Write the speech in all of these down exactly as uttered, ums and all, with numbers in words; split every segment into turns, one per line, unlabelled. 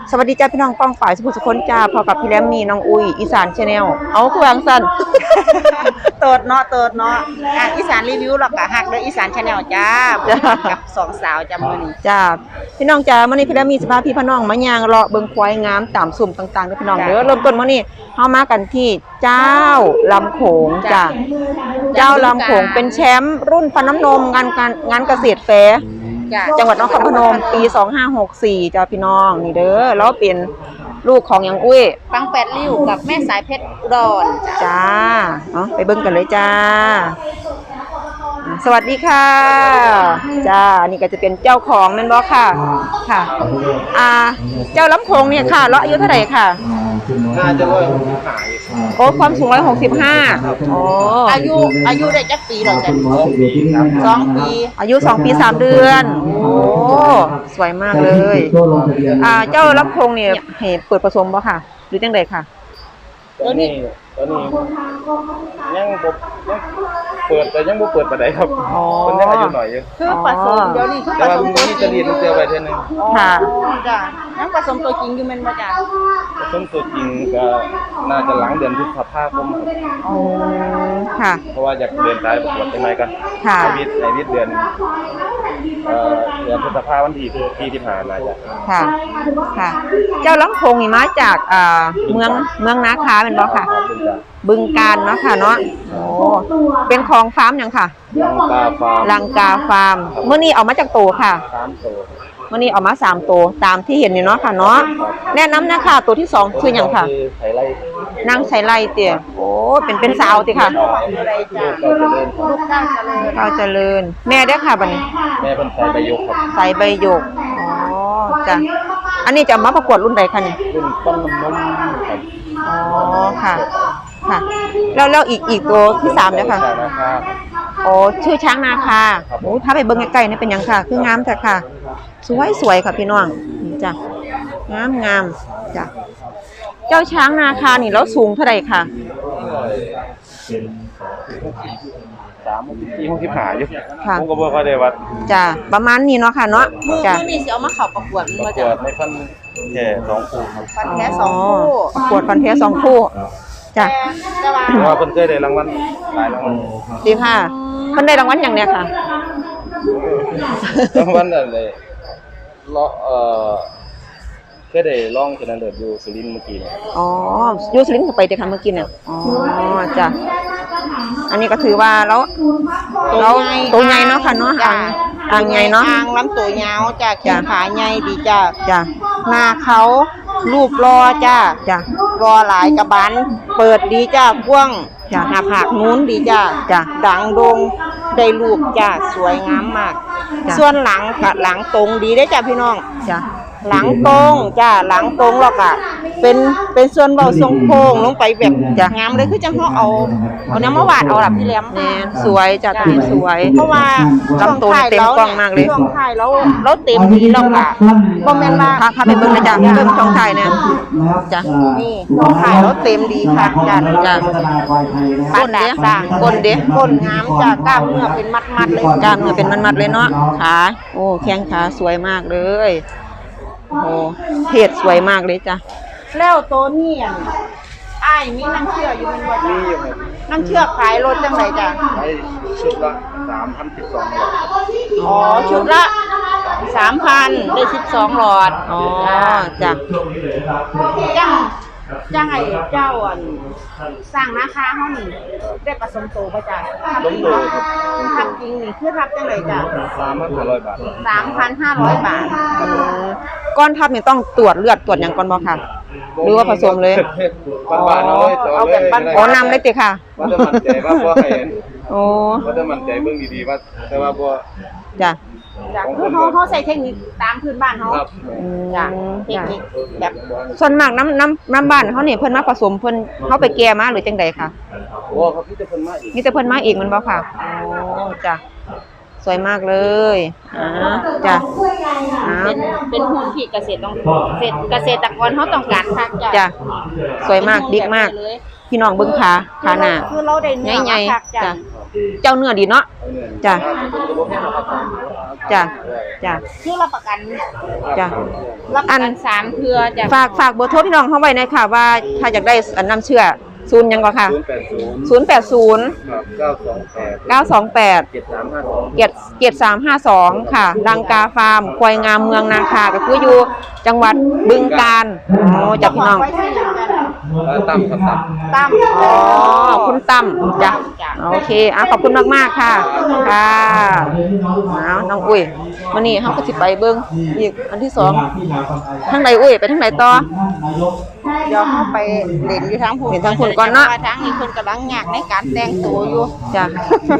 สวัสดีจ้าพี่น้องป้องฝ่ายสุภุสุคนจ้าพอกับพี่แรมมีน้องอุ้ยอีสานชาแนลเอาคือวางสั้น
เติร์ดเนาะเติร์ดเนาะอ่ะอีสานรีวิวหรอกอะหักเลยอีสานชาแนลจ้ากับสองสาวจำมือนี่
จ้าพี่น้องจ้ามื่อนี้พี่แรมมีสภาพพี่พี่น้องมายางเลาะเบิ่งควายงามตามสุ่มต่างๆด้วยพี่น้องเด้อเริ่มต้นมื่อนี้เฮามากันที่เจ้าลำโขงจ้าเจ้าลำโขงเป็นแชมป์รุ่นฟันน้ำนมงานการงานเกษตรแฟร์จังหวัดนครพนมปีสองห้าหกสี่จ้าพี่น้องนี่เด้อแล้วเป็นลูกของยังอุ้ย
ปังแปดริ้วกับแม่สายเพชรอุดร
จ้าเนาะไปเบิ่งกันเลยจ้าสวัสดีค่ะจ้านี่ก็จะเป็นเจ้าของแม่นบ่ค่ะค่ะอ่าเจ้าลำโขงเนี่ยค่ะเลาะอายุเท่าไหร่ค่ะ
น่าจะร้อยหกสิบห้า
โอ้ความสูงร้อยหกสิบห้าโอ้
อายุอายุได้จักปีหรอจ๊ะสองปี
อายุสองปีสามเดือนโอ้สวยมากเลยอ่าเจ้าลำโขงเนี่ยให้เปิดผสมบ่ค่ะหรือจังไดค่ะ
ตอนนี้ตอนนี้ยังบ่ยังเปิดแต่ยังบ่เปิดปานใดครับมันยังอายุหน่อยอยู่
คือผสมเดี๋ยวนี้คือผสม
ตัวนี้จะรีดมันเจอไว้เท่านึง
ค่ะ
จ้ะยังผสมตัวจริงอยู่แม่นบ่จ้ะ
ผสมตัวจริงก็น่าจะหลังเดือนพฤษภาคม
อ๋อค่ะ
เพราะว่าอยากเดินสายประกวดจังได๋กัน
ค่ะ
ชีวิตในวิทย์เดือนเอ่อเดือนพฤษภาคมวันที่ที่ที่ผ่านมาจ้ะ
ค่ะค่ะเจ้าลำโขงนี่มาจากอ่าเมืองเมืองนาคาเป็นบ่ค่ะบึงกาฬเนาะค่ะเนาะโอ้เป็นของฟาร์มหยังค่ะ
ลังกาฟาร์ม
ลังกาฟาร์มเมื่อนี้เอามาจากโตค่ะ
สามโต
เมื่อนี้เอามาสามโตตามที่เห็นนี่เนาะค่ะเนาะแนะนำนะคะตัวที่สองคือหยังค่ะนางไฉไลเตี่ยโอ้เป็นเป็นสาวติค่ะ
ลูกเก้าเจริญ
เก้าเจริญแม่เด้อค่ะบัดนี้
แม่เพิ่นใส่ใบหยกครับ
ใส่ใบหยกอ๋อจ้ะอันนี้จะมาประกวดรุ่นใดคะนี่
รุ่นปั้นน้ำนมครับ
อ๋อค่ะค่ะแล้วแล้วอีกอีกตัวที่สามเนี่ยค่ะโอ้ชื่อช้างนาคาโอ้ถ้าไปเบิ่งใกล้ๆนี่เป็นยังค่ะคืองามแต่ค่ะสวยสวยค่ะพี่น้องนี่จ้ะงามงามจ้ะเจ้าช้างนาคานี่แล้วสูงเท่าไหร่ค่ะ
สามที่ห้องที่หาอยู่ผมก็บ่ค่อยได้วัด
จ้ะประมาณนี้เนาะค่ะเนาะ
จ้ะมื้อนี้สิเอามาเข้าประกวด
มาจ้ะในฟันแค่สองคู่ครับ
ฟันแท้สองคู่
ประกวดฟันแท้สองคู่จ้ะ
เพราะว่าเพิ่นเคยได้รางวัลหลายรางวัล
ดีค่ะเพิ่นได้รางวัลอย่างเนี้ยค่ะ
รางวัลอะไรเลาะเอ่อเคยได้ร้องชนะเลิศอยู่สุรินทร์เมื่อกี้เนี่ย
อ๋ออยู่สุรินทร์ก็ไปแต่ค่ะเมื่อกี้เนี่ยอ๋อจ้ะอันนี้ก็ถือว่าแล้วแล้วตัวใหญ่เนาะค่ะเนาะอ่างอ่างใหญ่เนาะ
อ่างลำตัวยาวจ้ะแขนขาใหญ่ดีจ้ะ
จ้ะ
หน้าเขารูปรอจ้ะ
จ้ะ
รอหลายกระบาลเปิดดีจ้ะกว้างจ้ะหน้าผากนู้นดีจ้ะ
จ้ะ
ดังโด่งได้รูปจ้ะสวยงามมากส่วนหลังกับหลังตรงดีได้จ้ะพี่น้อง
จ้ะ
หลังตรงจ้ะหลังตรงหรอกอ่ะเป็นเป็นส่วนเบาทรงโค้งลงไปแบบงามเลยคือจังเขาเอาเอาน้ำมาวาดเอาหลับพี่แหลม
นี่สวยจ้ะตัวนี้สวย
เพราะว่า
ลำตัวเต็มกล้องมากเลย
ช่วงท้ายแล้วแล้วเต็มดีแล้วค่ะบ่แม่นว่า
พาพาไปเบิ่งนะจ้ะเบิ่งช่องท้ายเนี่ยจ้ะ
นี่ช่วงท้ายแล้วเต็มดีค่ะจ้ะ
จ้ะ
ก้นเด้สร้างก้นเด้ก้นงามจ้ะกล้ามเนื้อเป็นมัดๆเลย
กล้ามเนื้อเป็นมัดๆเลยเนาะขาโอ้แข้งขาสวยมากเลยโอ้เพศสวยมากเลยจ้ะ
แล้วตัวนี้อ่ะอ้ายมีน้ำเชื่ออยู่เป็นบ่จ้ะมีอยู่ครับน้ำเชื่อขายรถจังไดจ้ะ
ขายชุดละสามพันสิบสองหลอด
อ๋อชุดละสามพันได้สิบสองหลอด
อ๋อจ้ะ
จังจังไอ้เจ้าอันสร้างนาคาเฮานี่ได้ผสมโตบ่จ้ะ
ผสมโตครับ
ทับจริงนี่คือทับจังไดจ้ะ
สามพันห้าร้อย บาท
สามพันห้าร้อย บาท
ก้อนทับนี่ต้องตรวจเลือดตรวจหยังก่อนบ่ค่ะหรือว่าผสมเลย
บ้านๆเอาเลย
เอาแบบบ้านอ๋อนำเลยติค่ะ
ว่าจะมั่นใจว่าบ่ให้
โอ้
ว่าจะมั่นใจเบิ่งดีๆว่าแต่ว่าบ่
จ้ะ
จ้ะคือเฮาเฮาใช้เทคนิคตามพื้นบ้านเฮาจ้ะเทคนิคแบบ
ส่วนมากน้ำน้ำน้ำบ้านเฮานี่เพิ่นมาผสมเพิ่นเฮาไปแก่มาหรือจังได๋ค่ะ
โอ้ครับมีแต่เพิ่นมาอีก
มีแต่เพิ่นมาอีกมันบ่ค่ะโอ้จ้ะสวยมากเลยอ่าจ้ะ
เป็นเป็นหุ้นที่เกษตรต้องเกษตรเกษตรกรเฮาต้องการคักจ้ะ
จ้ะสวยมากบิ๊กมากพี่น้องเบิ่งขาขาหน้า
คือเราได้เนื้อ
ใหญ่ๆจ้ะเจ้าเนื้อดีเนาะจ้ะจ้ะจ้ะ
คือรับประกัน
จ้ะ
รับประกันสามเทือจ้ะ
ฝากฝากเบอร์โทรพี่น้องเข้าไว้หน่อยค่ะว่าถ้าอยากได้อันน้ำเชื่อศูนย์ยังก่อนค่ะ
ศูนย์แปดศูนย์
ศูนย์แปดศูนย์
ครับเก้าสองแปด
เก้าสองแปด
เจ็ดสามห้าสอง
เจ็ดเจ็ดสามห้าสองค่ะลังกาฟาร์มควายงามเมืองนาคาก็คืออยู่จังหวัดบึงกาฬโอ้จ้ะพี่น้อง
ไว้ที่อย่างนั้น
ตั้มครับตั้ม
ตั้ม
อ๋อคุณตั้มจ้ะโอเคอ่ะขอบคุณมากๆค่ะค่ะเอาน้องอุ้ยมานี่เขาก็สิไปเบิ้งอีกอันที่สองทางไหนอุ้ยไปทางไหนต่อ
เดี๋ยวเข้าไปเล่นอยู่ทางผู้
เห็นทางคุณก่อนเนาะ
ทางนี้คนกำลังยากในการแต่งตัวอยู่
จ้ะ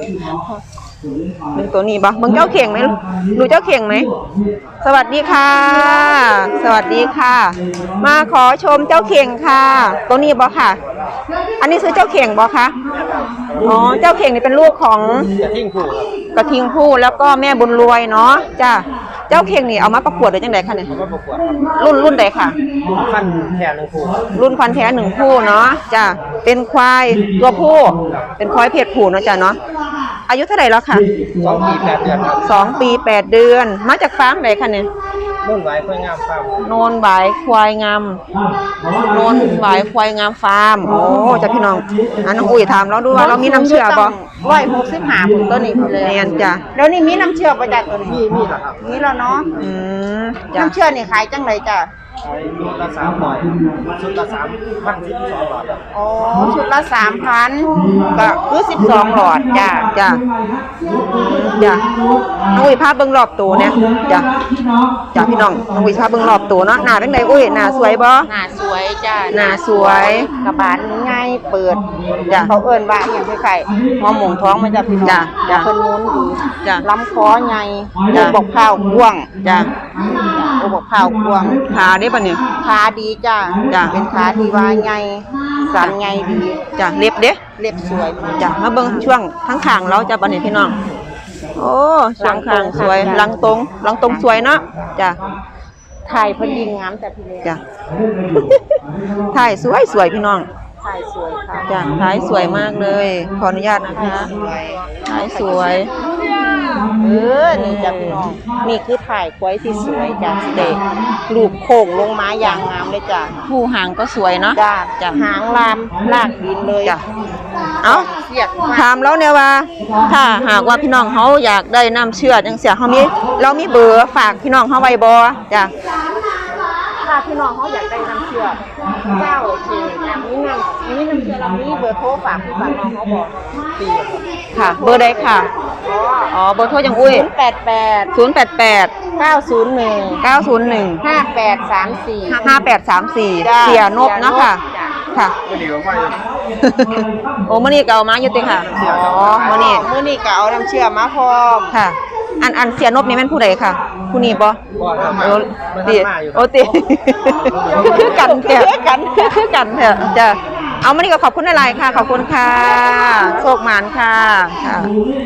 เป็นตัวนี้ปะมึงเจ้าเข่งไหมดูเจ้าเข่งไหมสวัสดีค่ะ สวัสดีค่ะ มาขอชมเจ้าเข่งค่ะ ตัวนี้บอค่ะ อันนี้ซื้อเจ้าเข่งบอคะอ๋อเจ้าเข่งนี่เป็นลูกของ
จะทิ้งผู้ครับ
กระทิงผู้แล้วก็แม่บุญรวยเนาะจ้ะเจ้าเข่งนี่เอามาประกวดหรือจังไดคะเนี่ย
ก็ประกวดครับ
รุ่นรุ่นใดค่ะ
ขั้นแทนหนึ่งผู้ครับ
รุ่นควันแท้หนึ่งคู่เนาะจ้ะเป็นควายตัวผู้เป็นควายเพศผู้เนาะจ้ะเนาะอายุเท่าไหร่แล้วค่ะ
สองปีแปดเดือนครับ
สองปีแปดเดือนมาจากฟาร์มไหนคะเนี่ย
นุ่นไว้เพื่องามครับ
โนนหวายควายงามโนนหวายควายงามฟาร์มโอ้จ้ะพี่น้องอันน้องอุ้ยถามเราดูว่าเรามีน้ำเชื่อบ่
ร้อยหกสิบห้าผมตัวนี้เลย
เนียนจ้ะ
แล้วนี่มีน้ำเชื่อประจักตัวนี้
มีมีเหรอครับ
มีแล้วเนาะ
อืมจ้ะ
น้ำเชื่อนี่ขายจังไรจ้ะ
ใช้ชุดละสามร้อยชุดละสามพันสิบสองบาทครับ
อ๋อชุดละสามพันก็คือสิบสองหลอดจ้ะ
จ้ะจ้ะน้องอุ้ยพาเบิ่งรอบตัวเนี่ยจ้ะจ้ะพี่น้องน้องอุ้ยพาเบิ่งรอบตัวเนาะหน้าเป็นไงอุ้ยหน้าสวยบ่
หน้าสวยจ้ะ
หน้าสวย
กระบาลง่ายเปิด
จ้ะ
เขาเอิ้นว่าอย่างไข่หัวหมงท้องมันจะพี่น้อง
จ้ะจ้ะ
เพิ่นนู้นดี
จ้ะ
ลำคอใหญ่
จ้ะ
ลูกบอกข้าวกว้าง
จ้ะ
โอ้บอกข้าวกว้าง
ขาได้ปะเนี่ย
ขาดีจ้ะ
จ้ะ
เป็นขาที่ว่าใหญ่สันใหญ่ดี
จ้ะเล็บเด้
เล็บสวย
จ้ะมาเบิ่งช่วงทั้งข้างเราจะบัดนี้พี่น้อง โอ้ช่วงข้างสวยหลังตรงหลังตรงสวยเนาะจ้ะ
ถ่ายเพิ่นยิงงามแต่พี่เลี้ยง
จ้ะ ถ่ายสวยสวยพี่น้อง
ถ่ายสวยค่ะ
จ้ะถ่ายสวยมากเลย ขออนุญาตนะคะ
สวย
ถ่ายสวย
เออนี่จ้ะพี่น้องนี่คือถ่ายควายที่สวยจ้ะเด็กลูกโค้งลงมาอย่างงามเลยจ้ะ
ผู้หางก็สวยเนาะ
จ้ะ
จ้ะ
หางลามลากดินเลย
จ้ะ เอ้า
เสียกมาก
ถามแล้วเนี่ยว่า ถ้าหากว่าพี่น้องเขาอยากได้น้ำเชื่อจังเสียเขามีเรามีเบอร์ฝากพี่น้องเขาไว้บ่จ้ะ
ถ้าพี่น้องเขาอยากได้น้ำเชื่อเจ้าโอเคอย่างนี้น้ำนี้น้ำเชื่อเรามีเบอร์โทรฝากพี่ฝากน้องเขาบอกปี
ค่ะ เบอร์ใดค่ะ อ๋อ เบอร์โทรยังอุ้ย
ศูนย์แปดแปด
ศูนย์แปดแปด
เก้าศูนย์หนึ่ง
เก้าศูนย์หนึ่ง
ห้าแปดสามสี่
ห้าแปดสามสี่
จ้ะ
เสียนบเนาะค่ะ
จ้ะ
ค่ะ
ก็ดีกว่าไม่
โอ้มื่อนี้ก็เอามาอยู่ติค่ะ อ๋อมื่อนี้
มื้อนี้ก็เอาน้ำเชื่อมาพร้อม
ค่ะ อันอันเสียนบนี่แม่นผู้ใดค่ะ ผู้นี้บ่
บ่ครับ
โอ้
มัน
ติ
ทำมาอยู่
โอ้ติคือกันแท้คือกันคือกันแท้จ้ะเอามื่อนี้ก็ขอบคุณหลายๆค่ะ ขอบคุณค่ะโชคหมานค่ะค่ะ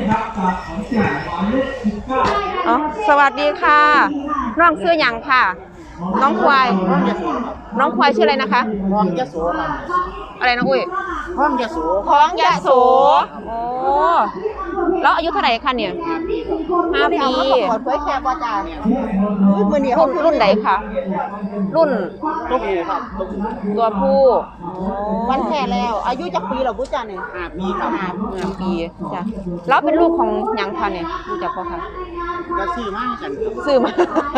อ๋อสวัสดีค่ะ น้องชื่อหยังค่ะ น้องควาย น้องควายชื่ออะไรนะคะ
ห้องยะโสครับ
อะไรน้องอุ้ย
ห้องยะโส
ท้องยะโส โอ้ แล้วอายุเท่าไหร่คะเนี่ยห้าปี
เอามาประกวดเผยแค่บ่จ้าอุ้ยมื้อนี้
รุ่นรุ่นไหนคะรุ่น
ตัวผู้ครับ
ตัวผู้
วันแท้แล้ว อายุจักปีแล้วบ่จ้านี่ห้าปีครับ
ห้าปีจ้ะแล้วเป็นลูกของหยังคะเนี่ยรู้จักปะคะ
ก็ซื้อมากัน
ซื้อมา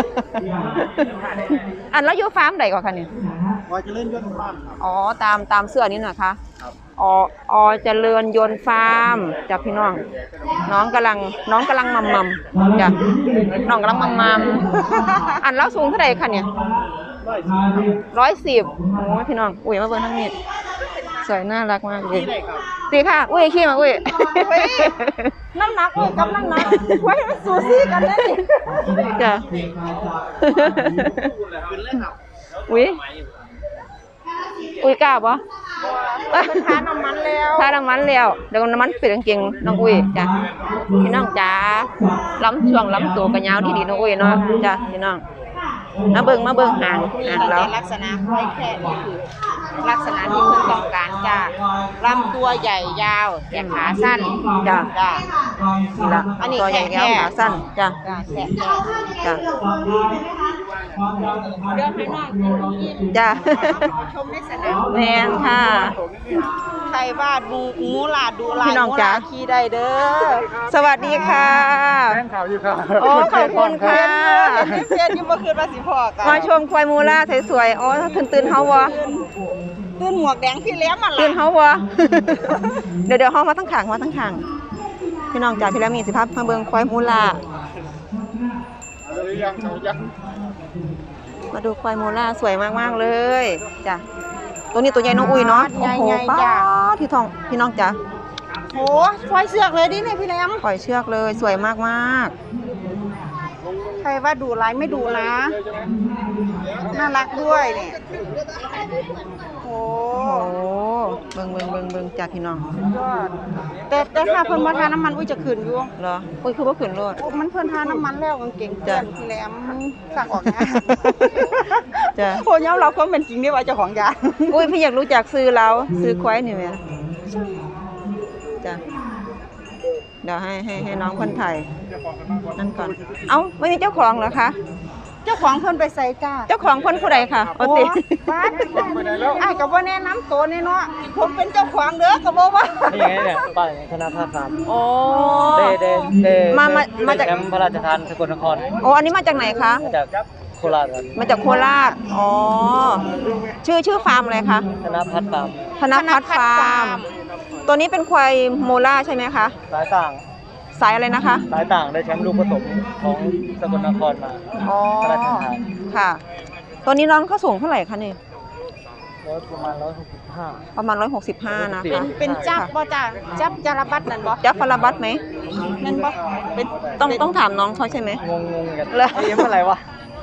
อันแล้วอยู่ฟาร์มไหนก่อนคะเนี่ย
พอจะเล่นยนต์บ้านครับ
อ๋อ ตามตามเสื้อนี้นะคะ
ครับ
อ๋ออเจริญยนต์ฟาร์มจ้ะพี่น้อง น้องกำลังน้องกำลังมัมมัมจ้ะน้องกำลังมัมมัม อันแล้วสูงเท่าไหร่คะเนี่ยร้อยสิบโอ้ยพี่น้อง อุ้ยมาเบิ่งทั้งนี้สวยน่ารักมากเลยดีค่ะ อุ้ยขี้มาอุ้ย
น้ำหนักเลยกับน้ำหนักไว้มันสูสีกันเลย
จ้ะ อุ้ยอุ้ยกล้าปะ
เป็นทาน้ำมันแล้ว
ถ้าน้ำมันแล้วเดี๋ยวน้ำมันเปลี่ยนเก่งน้องอุ้ยจ้ะพี่น้องจ้าล้ำช่วงล้ำตัวกันยาวดีๆน้องอุ้ยเนาะจ้ะพี่น้องมาเบิ่งมาเบิ่งหาง
นี่
หาง
ก็
แล้ว
จะลักษณะควายแค่นี่คือลักษณะที่เพิ่นต้องการจ้าลำตัวใหญ่ยาวแต่ขาสั้น
จ้ะ
จ้า
นี่ละ
อันนี้
ตัวใหญ่
แค่
ยาวขาสั้นจ้ะ
จ้าแค่
จ้ะ
เดี๋ยวให้น้องกิน
จ้ะ
ชมในสนาม
แม่นค่ะ
ใครว่าดูหมูหลาดดูลาย
พี่น้องจ๋า
หมูหลดขี่ได้เด้อ
สวัสดีค่ะ
แม่งข่าวอยู่ครับ
โอ้ขอบคุณค่ะ
เห็นในเฟซอยู่เมื่อคืนว่าสิพ่อกัน
มาชมควายมูล่าสวยๆอ๋อตื่นตื่นเฮาวะ
ตื่นหมวกแดงพี่เลี้ยงมัน
ตื่น
ล่ะ
เฮาวะ เดี๋ยวเดี๋ยวเฮามาตั้งขางมาตั้งขางพี่น้องจ๋าพี่แล้วมีสิภาพมาเบิ่งควายมูล่า
ยังเขายัง
มาดูควายมูล่าสวยมากๆเลยจ้ะตัวนี้ตัวใหญ่น้องอุ้ยเนาะโอ้โหป้าที่ทองพี่น้องจ๋า
โหควายเสือกเลยดิเนี่ยพี่เลี้ยง
ปล่อยเชือกเลยสวยมาก
ใครว่าดูลายไม่ดูนะ น่ารักด้วยเนี่ยโอ้
ๆโอ้โหเบิ่งเบิ่งเบิ่งเบิ่งจ้ะพี่น้อง
ยอดแต่แต่ถ้าเพิ่นบ่ทาน้ำมันอุ้ยจะขึ้นอยู่
เหรออุ้ยคือว่าขืนรถ
โอ้มันเพิ่นทาน้ำมันแล้วกางเกงเปื้อนพี่แหลมมันสั่งออกนะ
จ้ะ
โอ้ยอมรับความเป็นจริงได้ว่าเจ้าของยา
อุ้ยพี่อยากรู้จักซื้อแล้วซื้อควายนี่ไหมจ้ะเดี๋ยวให้ให้ให้น้องคนไทยนั่นก่อน เอ้าไม่มีเจ้าของเหรอคะ
เจ้าของเพิ่นไปใส่จ้า
เจ้าของคนผู้ใดค่ะปกติ
บ้านอ้ายก็บ่แนะนำตัวนี่เนาะผมเป็นเจ้าของเด้อก็บ่ว่า
นี่ไงเนี่ยป้ายธนาคารสาม
โอ้
เดเดเด
มามามาจาก
แชมป์พระราชทานสกลนคร
โอ้อันนี้มาจากไหนคะ
มาจากโคราชครับ
มาจากโคราช อ๋อ ชื่อชื่อฟาร์มอะไรคะ
ธนพัฒน์ฟาร์ม
ธนพัฒน์ฟาร์ม ตัวนี้เป็นควายโมล่าใช่ไหมคะ
สายต่าง
สายอะไรนะคะ
สายต่างได้แชมป์ลูกผสมของสกลนครมา
อ๋อ
พระราชทาน
ค่ะ ตัวนี้น้องเขาสูงเท่าไหร่คะนี่
ร้อยประมาณร้อยหกสิบห้า
ประมาณร้อยหกสิบห้านะ
เป็
คะ
น
เป็นจับบ่จ้าจับจารบัตนั่นบ่
จับฟาราบัตไหม
นั่นบ่เป็น
ต้องต้องถามน้องเขาใช่ไหม
งงงกัน
แล้ว
ไอ้ยังเมื่อไหร่วะ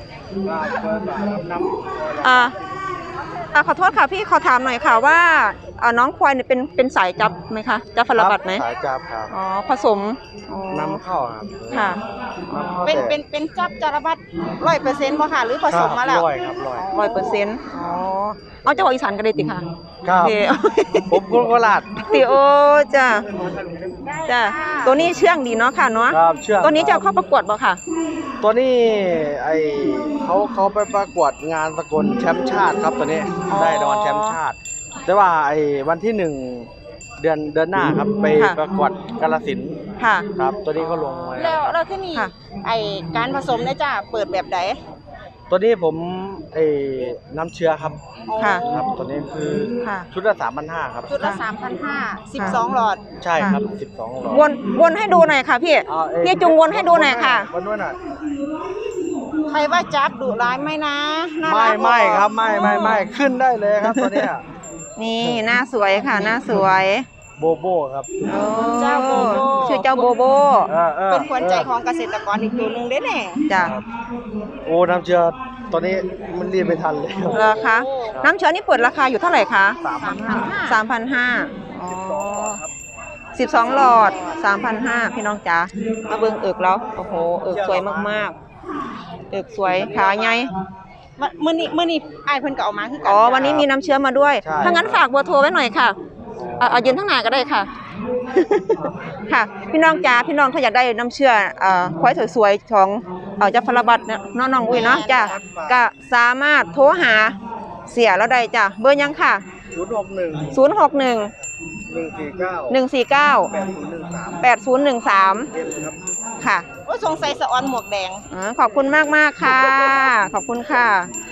อ่าอ่าขอโทษค่ะพี่ขอถามหน่อยค่ะว่าอ่าน้องควายเนี่ยเป็นเป็นสายจับไหมคะจับฟาราบัตไหม
สายจับครับ
อ๋อผสมอ๋อน
ำเข้าครับ
ค่ะ
นำเข้า
เป็น
แต่
เป็นเป็นจับจารบัตร้อยเปอร์เซ็นต์บ่ค่ะหรือผสมมาแล้ว
ร้อยครับร้อย
ร้อยเปอร์เซ็นต์อ๋อเอาเจ้าของอีสานกันเลยติค่ะ
ครับ
เดี๋ยว
ผมคนโคราช
ติโอจ้ะจ้ะตัวนี้เชื่องดีเนาะค่ะเนาะ
ครับเชื่อ
ตัวนี้จะเอาเข้าประกวดบ่ค่ะ
ตัวนี้ไอเขาเขาไปประกวดงานสกลแชมป์ชาติครับตัวนี้
อ๋อ
ได้รางวัลแชมป์ชาติ แต่ว่าไอวันที่หนึ่งเดือนเดือนหน้าครับไป
ค่ะ
ประกวดกาฬสินธุ์
ค่ะ
ครับ ตัวนี้เขาลงไว้
แล้วแล้วที่นี่
ค่ะ
ไอการผสมเนี่ยจ้าเปิดแบบใด
ตัวนี้ผมไอน้ำเชื้อครับ
ค่ะ
ครับ ตัวนี้คือ
ค่ะ
ชุดละสามพันห้าครับ
จุดละ สามพันห้าร้อย สิบสองหลอด
ใช่ครับสิบสองหลอด
วนวนให้ดูหน่อยค่ะพี่
เอาเอ้ย
พี่จุงวนให้ดูหน่อยค่ะ
วนด้วยหน่อย
ใครว่าจับดุร้ายไหมนะน่า
ไม่
รัก
ไม่ครับไม่ไม่ไม่ขึ้นได้เลยครับตัวเนี้ย
นี่หน้าสวยค่ะหน้าสวย
โบโบครับ
โอ้
เจ้าโบโบ
ชื่อเจ้าโบโบ
เออออ
เป็นขวัญใจของเกษตรกรอีกตัวหนึ่งเด้เนี่ย
จ้ะ
โอ้น้ำเชื้อตัวนี้มันรีบไม่ทันเลยครับ
เหรอคะน้ำเชื้อนี่เปิดราคาอยู่เท่าไหร่คะ
สามพันห้า
สามพันห้าอ๋อสิบสองหลอดสามพันห้าพี่น้องจ๋ามาเบิ่งเอิกแล้วโอ้โหเอิกสวยมากๆเอิกสวยขาใหญ่
วันมื้อนี้มื้อนี้อ้ายเพิ่นก็เอามาคือกั
อ๋อวันนี้มีน้ำเชื้อมาด้วย
ใช่
ถ้างั้นฝากเบอร์โทรไว้หน่อยค่ะเอาเอายืนทั้งหน้าก็ได้ค่ะ ค่ะ พี่น้องจ๋าพี่น้องถ้าอยากได้น้ำเชื่อเอ่อควายสวยๆของเอ่อเจ้าฟาราบัตเนี่ยน้องน้องอุ้ยเนาะจ้ะก็สามารถโทรหาเสียแล้วได้จ้ะเบอร์ยังค่ะ
ศูนย์หกหนึ่ง
ศูนย์ หก หนึ่ง
หนึ่งสี่เก้า
หนึ่ง สี่ เก้า
แปดศูนย์หนึ่งสาม
แปดศูนย์หนึ่งสาม
เอ็มครับ
ค่ะ
โอ้ยสงสัยสะออนหมวกแดง
อ๋อขอบคุณมากมากๆค่ะ ขอบคุณค่ะ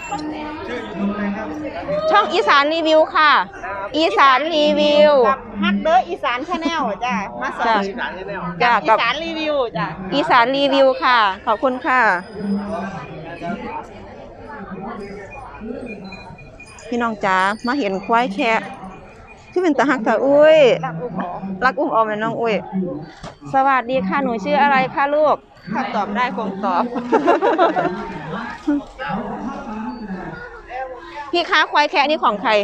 ช่องอีสานรีวิวค่ะ อีสานรีวิว
กับฮักเด้ออีสานชาแนลจ้ะมาสอ
จ้ะ
น
จ้ะ
อี
กับ
สานรีวิวจ้ะ
อีสานรีวิวค่ะ ขอบคุณค่ะ พี่น้องจ๋ามาเห็นควายแคะที่เป็นตาหักตาอุ้ย
รักลูกขอ
รักอุ้มออมเลยน้องอุ้ย สวัสดีค่ะ หนูชื่ออะไรคะลูก
ถ้าตอบได้คงตอบ
พี่ค้าควายแคะนี่ของใคร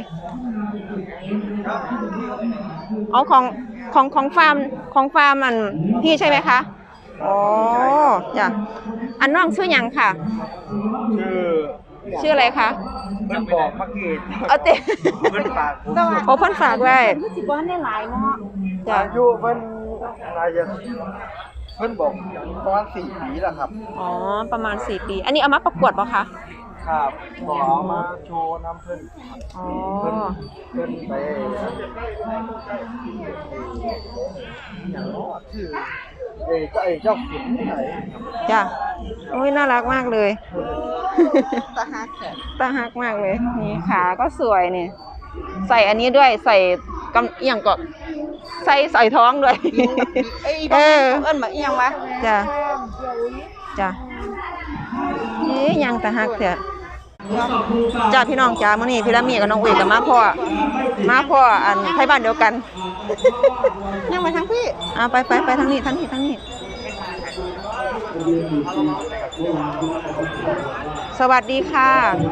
เอาของของของฟาร์มของฟาร์มมันพี่ใช่ไหมคะ อ๋อจ้ะอันน้องชื่อหยังค่ะ
ชื่อ
ชื่ออะไรคะ
เพิ่นบอกมาเกต
เอาเตะ
เพิ่นฝากผม
โอ้เพิ่นฝากไว้
สิบ่ได้หลายเนาะ
จ้ะ
อายุเพิ่นอะไรจะเพิ่นบอกประมาณสี่ปีแล้วครับ
อ๋อประมาณสี่ปี อันนี้เอามาประกวดป่ะคะ
ครับบอกเอามาโชว์น้ำเพิ่น
อ๋อ
เพิ่นเพิ่นไปอย่างน้อชื่อเอ้เจ้าเอ้เจ้าขุนไหน
จ้ะโอ้ยน่ารักมากเลย
ตาฮักแขก
ตาฮักมากเลย นี่ขาก็สวยนี่ ใส่อันนี้ด้วยใส่กำเอียงก็ใส่ใส่ท้องด้วย
เอ้ย
เอ
บ่
อ
เอิ้นมาอีหยังวะ
จ้ะจ้ะเอ๊ยยังตาฮักเถอะจ้าพี่น้องจ้ามื้อนี้พี่ละมีกับน้องอุ้ยกับมาพ่อมาพ่ออันไทบ้านเดียวกัน
ยังไปทางพี่
อ่าไปไปไปทางนี้ทางนี้ทางนี้ สวัสดีค่ะ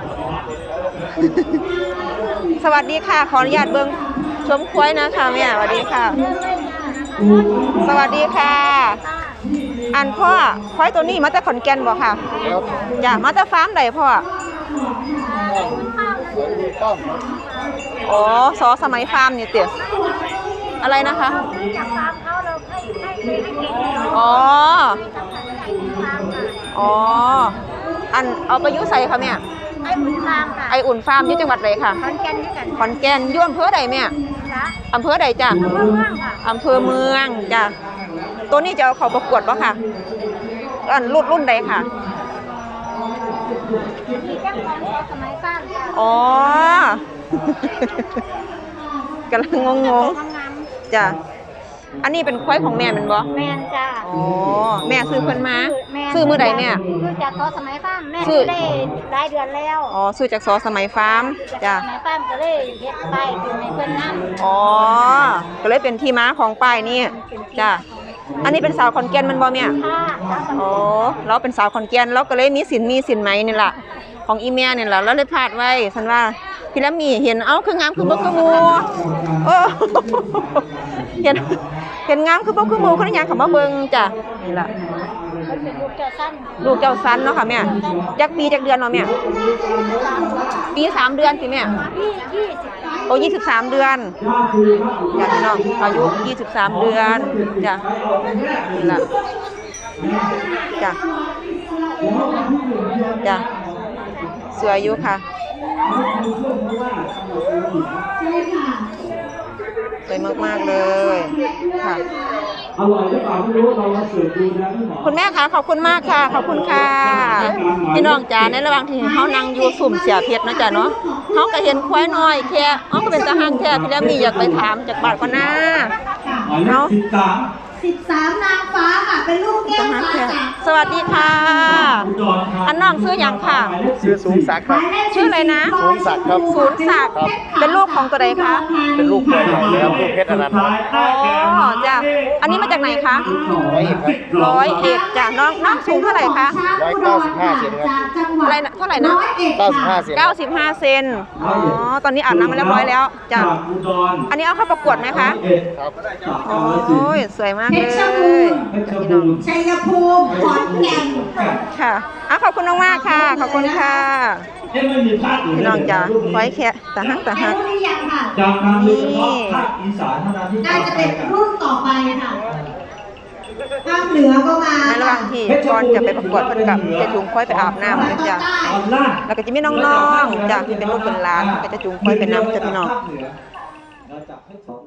สวัสดีค่ะ ขออนุญาตเบิ่งชมควายนะคะแม่สวัสดีค่ะ สวัสดีค่ะ อันพ่อควายตัวนี้มาจากขอนแก่นบ่ค่ะ
ครับ
จ้ะมาจากฟาร์มใดพ่อ
สวนมีต้อมครับ
อ๋อสอสมัยฟาร์มนี่เตี๋ยอะไรนะคะ
จากฟาร์มเขาเราให้ให้ให้เก็บเนาะ
อ๋อ
มีตำแหน่งใหญ่ที่ฟาร์มค่ะ
อ๋อ อันเอาไปอยุใส่ค่ะแม่
ให้หมุนฟาร์มค่ะ
ไออุ่นฟาร์มอยู่จังหวัดใดค่ะ
คอนแกนด้วยกัน
ขอนแก่นอยู่อำเภอใดแม่
นะ
อำเภอใดจ้ะ
อำเภอเมืองค่ะ
อำเภอเมืองจ้ะ ตัวนี้จะเอาเขาประกวดป่ะค่ะ อันรุ่นรุ่นใดค่ะ
มีแจ้งความขอสมัยฟาร์มค่ะ
อ๋อ กำลังงงง
งาม
ๆจ้ะ อันนี้เป็นควายของแม่แมันบ่
ๆแมนจ้า
อ๋อ แม่ซื้อเพิ่นมา
แม่น
ซื้อมื้อใดแม่
ซื้อจากขอสมัยฟาร์มแม่
ซื้อ
ได้หลายเดือนแล้ว
อ๋อ ซื้อจากซอสมัยฟาร์ม
จาก
จ้ะ
สมัยฟาร์มก็เลยเฮ็ดไปคือในเพิ่นนำ
อ๋อ ก็เลยเป็นที่ม้าของป้ายนี่จ้ะ อันนี้เป็นสาวขอนแก่นมันบ่แม่
ค่ะตาม
อ๋อ เราเป็นสาวขอนแก่นเราก็เลยมีสินมีสินไหมนี่ล่ะ ของอีเมียนี่ล่ะเราเลยพลาดไว้ฉันว่าพี่ละมีเห็นเอ้าคืองามคือบ่คือหมู่เออ เห็นเห็นงามคือบ่คือหมู่คนหยังเข้ามาเบิ่งจ้ะนี่ล่ะ
มันเป็นลูกเจ้าสั้น
ลูกเจ้าสันเนาะค่ะแม่จักปีจักเดือนเนาะแม่ปีสามเดือนสิแม่
พี่ยี่สิบ
โอ้ยี่สิบสามเดือนจ้ะพี่น้องอายุยี่สิบสามเดือนจ้ะนี่ล่ะจ้ะจ้ะสวยอยู่ค่ะสวยมากๆเลยค่ะ
อร่อยหรือเปล่าไม่รู้เรามาสืบดูนะพี่หมอ
คุณแม่คะขอบคุณมากค่ะขอบคุณค่ะพี่น้องจ๋าในระหว่างที่เฮานั่งอยู่สุ่มเสียเพชรนะจ๊ะเนาะเฮาก็เห็นควายน้อยแค่เฮาก็เป็นตาหางแค่พี่แล้วมีอยากไปถามจากบาทก่อนนะ
หมายเลขสิบสาม
สิบสามนางฟ้าค่ะ เป็นลูกแก้
ตาว หาง
ฟ้า
แค่
จาก
สวัสดีค่ะ
อุดรครับ
อันน้องชื่อหยังค่ะ
ชื่อสูงศักดิ์ครับ
ชื่ออะไรนะ
สูงศักดิ์ครับ
ศูนย์ศักดิ์เป็นลูกของตัวใดคะ
เป็นลูกตัวใหญ่เลยครับลูกเพชรอนันต์
อ๋อจ้ะอันนี้มาจากไหนคะ
ร้อยเอ็ดครับ
ร้อยเอ็ดจ้ะน้องน้องสูงเท่าไหร่คะ
ร้อยเก้าสิบห้าเซนครับ
อะไรนะเท่าไหร่นะ
เก้าสิบห้าเซน
เก้าสิบห้าเซนอ๋อตอนนี้อาบน้ำมาเรียบร้อยแล้วจ้ะ
จากอุดร
อันนี้เอาเข้าประกวดไหมคะ
เอ็ด
ครับ
โอ้ยสวยมากเลยจ้ะพี่น้อง
ชัยภูมิขอนแก่น
ค่ะอ่ะขอบคุณมากๆค่ะ ขอบคุณค่ะ
เอ๊ะมันมีภาคอื่น
พี่น้องจ๋าไว้แค่ตาหักตาหัก
รู้หรือยังค่ะ
จากทางเรือเฉพาะภาคอีสานเท่านั้นที่
น่าจะเป็นรุ่นต่อไปค่ะภาคเหนือก็มา
ในระหว่างที่ก่อนจะไปประกวดเพิ่นกับจะจูงค่อยไปอาบน้ำนะจ้ะ
ตอนล่าง
แล้วก็จะมีน้องๆจ้ะที่เป็นลูกเป็นหลานก็จะจูงค่อยไปน้ำจ้ะพี่น้อง
เราจับให้